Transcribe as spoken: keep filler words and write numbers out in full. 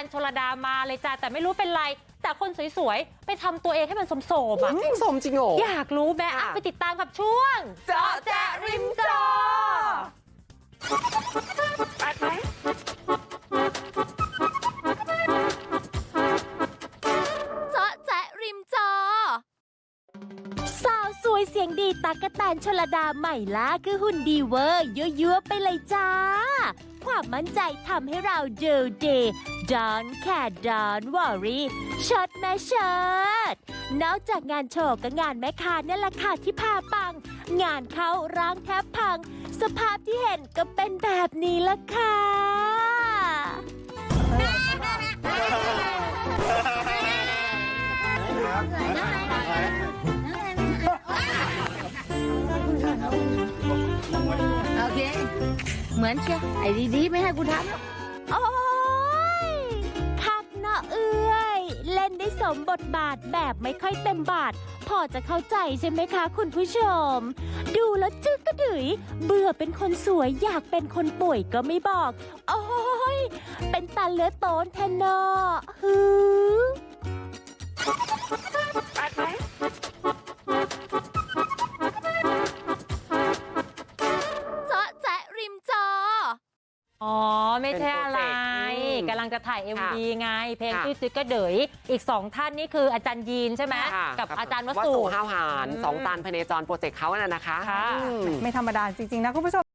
ชลดามาเลยจ้าแต่ไม่รู้เป็นไรแต่คนสวยๆไปทำตัวเองให้มันสมๆอ่ะจริงสมจริงโหอยากรู้แม่ไปติดตามกับช่วงเจาะแจ๊ริมจอปัดไหมเจาะแจ๊ริมจอสาวสวยเสียงดีตั๊กแตนชลดาใหม่ล่าคือหุ่นดีเวอร์ยั่วๆไปเลยจ้าความมั่นใจทำให้เราเดลเดดอนแค่ดอนวอรี่ช็อตแม่ช็อตนอกจากงานโชว์ก็งานแม่ค้านี่แหละค่ะที่พาปังงานเข้าร้างแทบพังสภาพที่เห็นก็เป็นแบบนี้ละค่ะโอเคเหมือนเชียวไอ้ดีๆไม่ให้กูทำโอ้ยคักเนาะเอื้อยเล่นได้สมบทบาทแบบไม่ค่อยเต็มบาทพอจะเข้าใจใช่ไหมคะคุณผู้ชมดูแล้วจึ๊กกระดือยเบื่อเป็นคนสวยอยากเป็นคนป่วยก็ไม่บอกโอ้ยเป็นตาเลือดโตนแทนเนาะฮือเจาะแจ๊ริมจออ๋อไม่ใช่อะไรกำลังจะถ่าย เอ็ม วี ไงเพลงชื่อซึกกระเดยอีกสองท่านนี่คืออาจารย์ยีนใช่ไหมกับอาจารย์วสุห้าวหารสองตาลพเนจรโปรเจกต์เขาน่ะนะคะไม่ธรรมดาจริงๆนะคุณผู้ชม